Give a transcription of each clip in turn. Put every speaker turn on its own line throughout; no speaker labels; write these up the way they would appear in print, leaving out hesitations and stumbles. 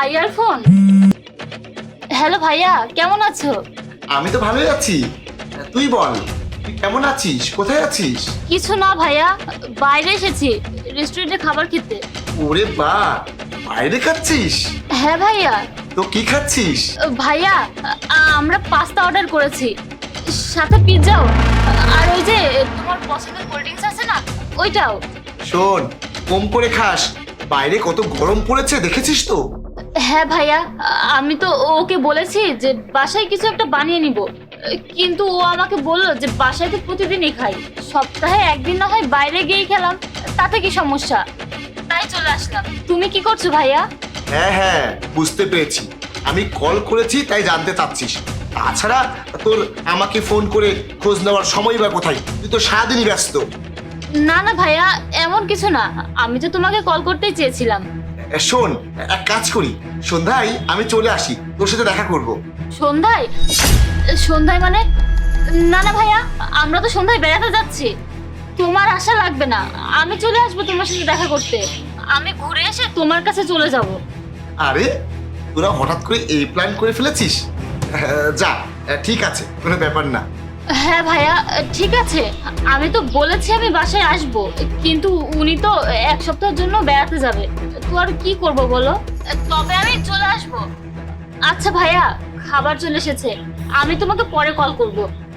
ভাইয়ার phone. Hello ভাইয়া, কেমন আছো?
আমি তো ভালোই আছি। তুই বল, তুই কেমন আছিস, কোথায় আছিস?
কিছু না ভাইয়া, বাইরে এসেছি রেস্টুরেন্টে খাবার খেতে।
ওরে বা, বাইরে খাচ্ছিস?
হ্যাঁ ভাইয়া।
তো কি খাচ্ছিস?
ভাইয়া, আমরা পাস্তা অর্ডার করেছি, সাথে পিৎজাও, আর ওই যে তোমার পছন্দের কোল্ড ড্রিঙ্কস আছে না, ওইটাও।
শোন, কম করে খাস, বাইরে কত গরম পড়েছে দেখেছিস তো?
হ্যাঁ ভাইয়া, আমি তো ওকে বলেছি যে বাসায় কিছু একটা বানিয়ে নিব, কিন্তু ও আমাকে বললো যে বাসায় তো প্রতিদিনই খাই, সপ্তাহে একদিন না হয় বাইরে গিয়েই খেলাম, তাতে কি সমস্যা? তাই চলে আসলাম। তুমি কি করছো ভাইয়া?
হ্যাঁ হ্যাঁ, বুঝতে পেরেছি। আমি কল করেছি তাই জানতে চাচ্ছিস। তাছাড়া তোর আমাকে ফোন করে খোঁজ নেওয়ার সময় বা কোথায়? তুই তো সারাদিনই ব্যস্ত।
না না ভাইয়া, এমন কিছু না, আমি তো তোমাকে কল করতেই চেয়েছিলাম।
শোন, এক কাজ করি, সন্ধ্যায় আমি চলে আসি, তোর সাথে দেখা করব।
সন্ধ্যায়? সন্ধ্যায় মানে? না না ভাইয়া, আমরা তো সন্ধ্যায় বেড়াতে যাচ্ছি, তোমার আশা লাগবে না, আমি চলে আসবো তোমার সাথে দেখা করতে। আমি ঘুরে এসে তোমার কাছে চলে যাব।
আরে, তোরা হঠাৎ করে এই প্ল্যান করে ফেলেছিস? যা, ঠিক আছে, কোনো ব্যাপার না।
হ্যাঁ ভাইয়া, ঠিক আছে। আমি তো বলেছি আমি বাসায় আসব, কিন্তু উনি তো এক সপ্তাহের জন্য বেড়াতে যাবে, তো আর কি করব বলো? তবে আমি চলে আসব। আচ্ছা ভাইয়া, খাবার চলে এসেছে, আমি তোমাকে পরে কল করব।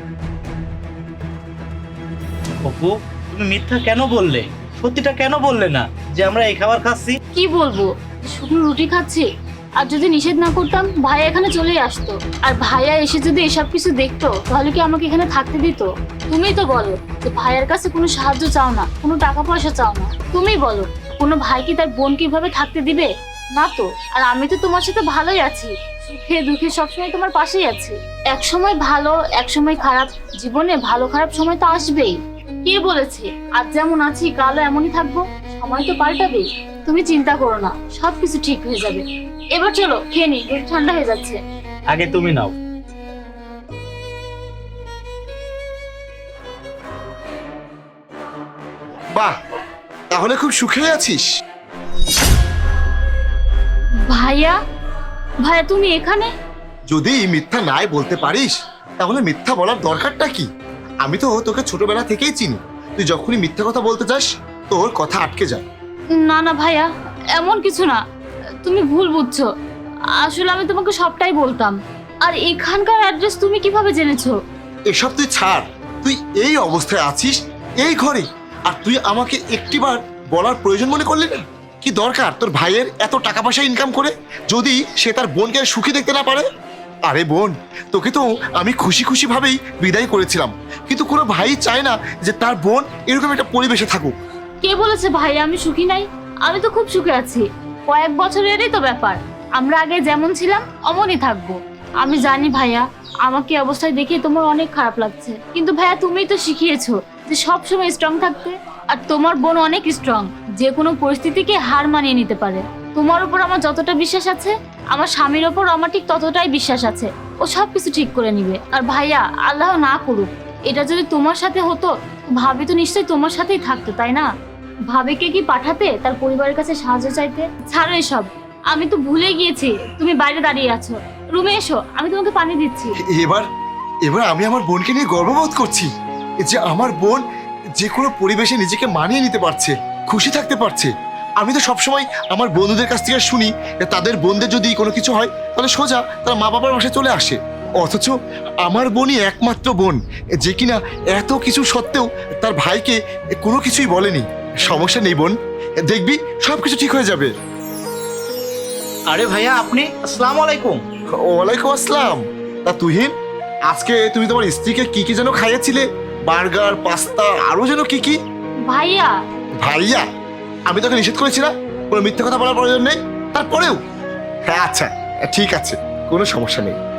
অপু, তুমি মিথ্যা কেন বললে? সত্যিটা কেন বললে না যে আমরা এই খাবার খাচ্ছি?
কি বলবো, শুধু রুটি খাচ্ছি? আর যদি নিষেধ না করতাম ভাইয়া এখানে চলেই আসতো, আর ভাইয়া এসে যদি এসব কিছু দেখতো তাহলে কি আমাকে এখানে থাকতে দিত? তুমিই তো বলো যে ভাইয়ের কাছে কোনো সাহায্য চাও না, কোনো টাকা পয়সা চাও না। তুমিই বলো, কোনো ভাই কি তার বোন কিভাবে থাকতে দিবে? না তো। আর আমি তো তোমার সাথে ভালোই আছি, সুখে দুঃখে সবসময় তোমার পাশেই আছি। এক সময় ভালো, এক সময় খারাপ, জীবনে ভালো খারাপ সময় তো আসবেই। কে বলেছে আজ যেমন আছি কালও এমনই থাকবো? সময় তো পাল্টাবেই। তুমি চিন্তা করো না, সবকিছু ঠিক হয়ে যাবে। এবার চলো খেয়ে নি, পেট ঠান্ডা হয়ে যাচ্ছে।
আগে তুমি নাও।
বাহ, তাহলে খুব সুখে আছিস।
ভাইয়া, ভাইয়া তুমি এখানে?
যদি মিথ্যা নাই বলতে পারিস তাহলে মিথ্যা বলার দরকারটা কি? আমি তো তোকে ছোটবেলা থেকেই চিনি, তুই যখনই মিথ্যা কথা বলতে যাস তোর কথা আটকে যায়।
না না ভাইয়া, এমন কিছু না, তুমি ভুল বুঝছো। আসলে আমি তোমাকে সবটাই বলতাম। আর এখানকার অ্যাড্রেস তুমি কিভাবে জেনেছো?
এসব তুই ছাড়, তুই এই অবস্থায় আছিস এই ঘরে, আর তুই আমাকে একটিবার বলার প্রয়োজন মনে করলি না? কি দরকার তোর ভাইয়ের এত টাকা পয়সা ইনকাম করে, যদি সে তার বোনকে সুখী দেখতে না পারে? আরে বোন, তোকে তো আমি খুশি খুশি ভাবেই বিদায় করেছিলাম, কিন্তু কোনো ভাই চায় না যে তার বোন এরকম একটা পরিবেশে থাকুক।
কে বলেছে ভাইয়া আমি সুখী নাই? আমি তো খুব সুখে আছি, কয়েক বছরেরই তো ব্যাপার, আমরা আগে যেমন ছিলাম অমনই থাকবো। আমি জানি ভাইয়া, আমাকে এই অবস্থায় দেখে তোমার অনেক খারাপ লাগছে, কিন্তু ভাইয়া তুমিই তো শিখিয়েছো যে সব সময় স্ট্রং থাকতে। আর তোমার বোন অনেক স্ট্রং, যে কোনো পরিস্থিতিকে হার মানিয়ে নিতে পারে। তোমার উপর আমার যতটা বিশ্বাস আছে, আমার স্বামীর ওপর আমার ঠিক ততটাই বিশ্বাস আছে, ও সবকিছু ঠিক করে নিবে। আর ভাইয়া, আল্লাহ না করুক এটা যদি তোমার সাথে হতো, ভাবি তো নিশ্চয়ই তোমার সাথেই থাকতো, তাই না? ভাবিকে কি পাঠাতে তার পরিবারের কাছে সাহায্য চাইতে? ছাড়ো এসব, আমি তো ভুলে গিয়েছি তুমি বাইরে দাঁড়িয়ে আছো। রুমে এসো, আমি তোমাকে পানি দিচ্ছি।
এবার এবার আমি আমার বোনকে নিয়ে গর্ববোধ করছি যে আমার বোন যে কোনো পরিবেশে নিজেকে মানিয়ে নিতে পারছে, খুশি থাকতে পারছে। আমি তো সবসময় আমার বন্ধুদের কাছ থেকে শুনি যে তাদের বোনদের যদি কোনো কিছু হয় তাহলে সোজা তার মা বাবার বাসায় চলে আসে, অথচ আমার বোনই একমাত্র বোন যে কিনা এত কিছু সত্ত্বেও তার ভাইকে কোনো কিছুই বলেনি। সমস্যা নেই বোন, দেখবি সব কিছু ঠিক হয়ে যাবে।
আরে ভাইয়া, আপনি? আসসালামু আলাইকুম।
ওয়ালাইকুম আসসালাম। তা তুহিন, আজকে তুমি তোমার স্ত্রীকে কি কি যেন খাইয়েছিলে? বার্গার, পাস্তা, আরো যেন কি কি?
ভাইয়া,
ভাইয়া? আমি তোকে নিষেধ করেছি না কোনো মিথ্যে কথা বলার প্রয়োজন নেই? তারপরেও হ্যাঁ, আচ্ছা ঠিক আছে, কোনো সমস্যা নেই।